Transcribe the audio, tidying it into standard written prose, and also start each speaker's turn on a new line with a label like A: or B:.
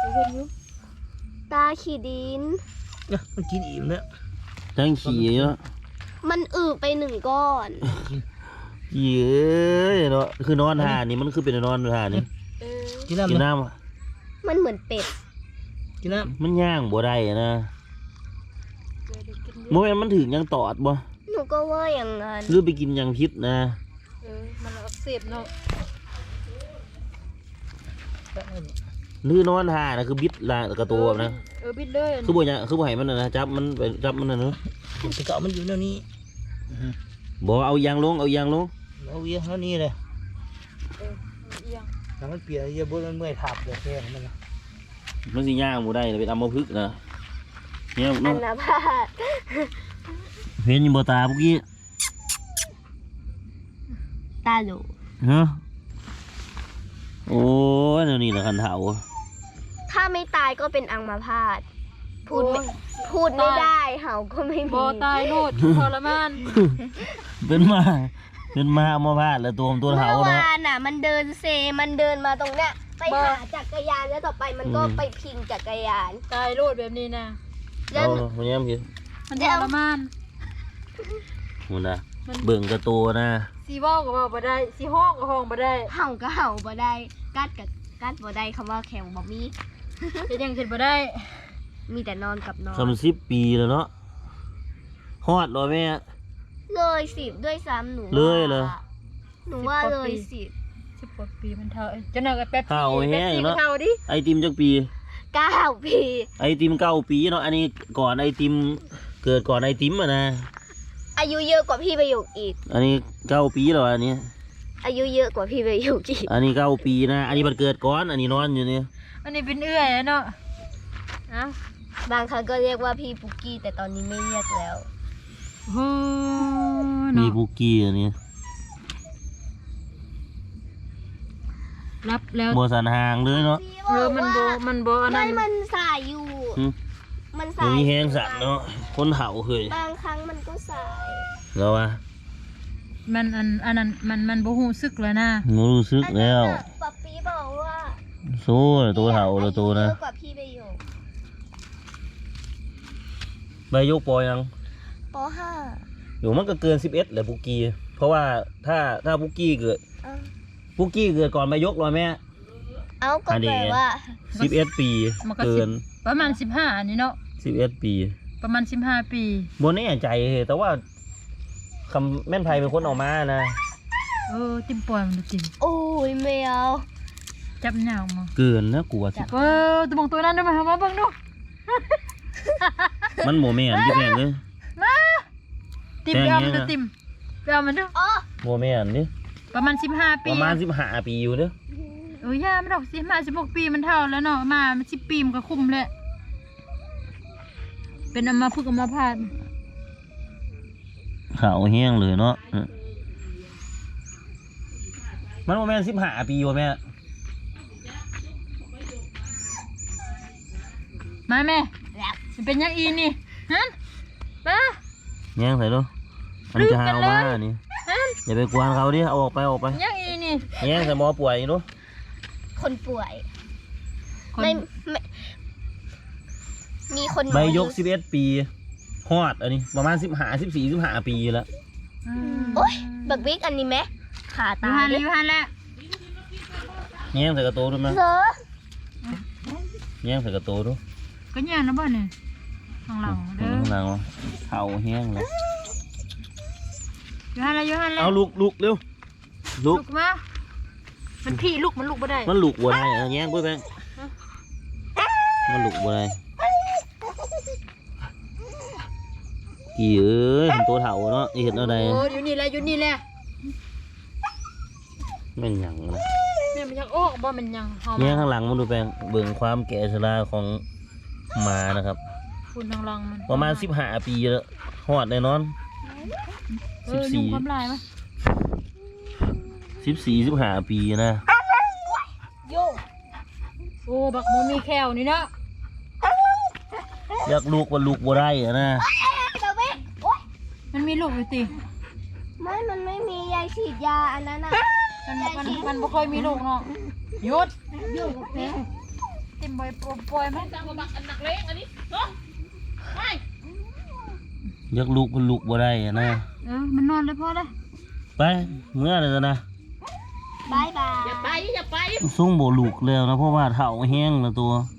A: เห็นอยู่ตาขี่ดิน
B: เนี่ยมันกินอิ่มแล้ว
C: ทั้งขี่เนาะ
A: มันไป1 ก้อน
C: เย้ยเนาะคือนอนหานี่มันคือเป็นนอนหานี่
B: กินน้
A: ำมันเหมือนเป็ด
B: กินน้
C: ำมันย่างบ่ได้นะโมเมนมันถึงยังตอดบ่
A: หนูก็ว่าอย่างนั้น
C: หรือไปกินยังพิษนะ
A: มันอักเสบเนาะ
C: หรือนอนหานะคือบิดละกระตัวนะ
A: บิดเลย
C: คือบ่เนี่ยคือบ่ให้มันนะจับมันไปจับมันนะเนาะ
B: จะเกาะมันอยู่แนวนี้
C: บ่เอายางลงเอายางลง
B: เอาเยอะเท่านี้เลยถ้ามันเปียกเยอะบนมันเมื่อยถับเลยแค่มันนะ
C: มันสิย่างบ่ได้เป็นอัมพฤกษ์นะเนี่ย
A: อันนาพาด
C: เห็นอยู่บ่ตาเมื่อกี้
A: ตาโหล
C: ฮะโอ้ยนี่แหละคันเถา
A: ถ้าไม่ตายก็เป็นอัมพาตพูดไม่ได้เห่าก็ไม่มี
D: ตายโลดทรมาน
C: เป็นมาอัมพาตแล้วตัวเถา
A: เมื่อวานน่ะมันเดินเซมันเดินมาตรงเนี้ยไปหาจักรยานแล้วต่อไปมันก็ไปพิงจักรยาน
D: ตายโลดแบบนี้นะ
C: แล้วมันยังพี่
D: มันทรมาน
C: มันนะเบิ่งกระตัวนะ
D: สีว่าวก็ว่าวบ่ได้สีห้องก็ห้องบ่ได้
A: เห่าก็เห่าบ่ได้กัดบ่ได้คำว่าแข็งบ่มี
D: จะยังเห็นบ่ได้
A: มีแต่นอนกับนอน
C: 30 ปีแล้วเนาะฮอดรอแม่
A: เลย10ด้วยซ้ำหนู
C: เลย
A: หนูว่าเลย
D: 10 กว่าปีมันเท่าจะน่ากับแป๊บ
C: เท่าแห้งเนาะไอติมจักปี
A: 9 ปี
C: ไอติม9 ปีเนาะอันนี้ก่อนไอติมเกิดก่อนไอติมอ่ะนะ
A: อายุเยอะกว่าพี่ประโยคอีก
C: อันนี้9 ปีแล้วอันนี้
A: อายุเยอะกว่าพี่ประโยคอีก
C: อันนี้9 ปีนะอันนี้มันเกิดก่อนอันนี้นอนอยู่นี่
D: อันนี้เป็นเอื้อยเนาะ
A: บางครั้งก็เรียกว่าพี่ปุกกี้แต่ตอนนี้ไม่เรียกแล้ว
C: มีปุกกี้อันนี้
D: รับแล้ว
C: บัวสันหางเลยเนาะ
D: มันโบอันนั้น
A: มันสายอยู่มันสาย
C: มีแห้งสันเนาะคนเห่าเคย
A: บางครั้งมันก็สาย
C: แล้ววะ
D: มันอันนั้นมันบ่รู้สึกแล้วนะ
C: รู้สึกแล้ว
A: ป๊าปี้บอกว่า
C: โซ่ตัวเห่าแล้วตัวนะ
A: เยอะกว่าพี่ใบโยก
C: ใบโยกปอยัง
A: ป.5
C: อยู่มันก็เกิน11แหละปุกกี้เพราะว่าถ้าปุกกี้เกิดก่อนใบยกเลยแม่
A: เอาก็แปลว่า
C: 11 ปีเกิน
D: ประมาณ15นี่เนาะ
C: 11 ปี
D: ประมาณ15 ปี
C: บนแน่ใจแต่ว่าคำแม่นไพเป็นคนออกมานะ
D: ติมปล่อยมันจริง
A: โอ้ยไม่เอา
D: จับหนาวมา
C: เกินนะกลัวสิ
D: ตัวมองตัวนั้นได้ไหมมาเบิ่งดู
C: มันโมเมนต์ที่แม่เลย
D: มาติมไปเอามันดูติมไปเอามันดู
C: โมเมนต์นี่
D: ประมาณ15 ปี
C: ประมาณ15 ปีอยู่เด้
D: อย่าไม่ดอก16 ปีมันเท่าแล้วเนาะมา10 ปีมันก็คุ้มแล้วเป็นอัมพฤกษ์อัมพาต
C: ขาวแห้งเลยเนาะมันโมเมนต์15 ปีวะแม่
D: มาแม่มันเป็นยังอีนี่ฮะป้า
C: แย่งใส่ดูมันจะหามานี่อย่าไปกวนเขาดิเอาออกไป
D: ยังอีนี่
C: แย่งใส่หมอป่วยดู
A: คนป่วยไม่มีคน
C: ใบยก11 ปีฮอดอันนี้ประมาณ15 ปีแล้ว
A: โอ๊ยบักบิ๊กอันนี้ไหมขาตา
D: อยู่หันแล้ว
C: แย่งใส่กระโตดูมั้ยแย่งใส่กระโตดู
D: ก็แย่งนะบ้านนี่ข้างหลังเด้อ
C: ข้างหลังเข่าแห้งเลย
D: อยู่หันแล้ว
C: เอาลุกเร็วลุก
D: มามันพี่ลุกมันลุกบ่ได้
C: มันลุกบ่ได้แย่งปุ๊บแบงมันลุกบ่ได้กี่เอ้ยตัวเถ่าเนาะเห็นอะไร
D: อยู่นี่แหละ
C: มันหยังนะ
D: เนี่ยมันยังออกบ่มันยัง
C: เนี่ยข้างหลังมันดูแปลงเบิ่งความแก่ชราของหมานะครับ
D: คุณทางหลังมัน
C: ประมาณ15 ปีแล้วหอดแน่นอน
D: 14ความลายมั้ย
C: 14-15 ปีนะ
D: โยโอ้บักโมมีแขวนี่เนาะ
C: อยากลูกว่าลูกบ่ได้อะนะ
D: มันมีลูกอยู่ติ
A: มันไม่มียายฉีดยาอันนั้นน่ะ
D: มันบ่ค่อยมีลูกเนาะหยุดเต็มบ่อยปล่อยมัน
E: จังบักอันหนักเล็กอันนี้เนาะไป
C: อยากลุกมันลุกบ่ได้อะนะ
D: มันนอนเลยพอเลย
C: ไปเมื่อไรนะ
A: บายบาย
E: อย่าไป
C: ส่งบ่ลุกแล้วนะเพราะว่าเฒ่าแห้งแล้วตัว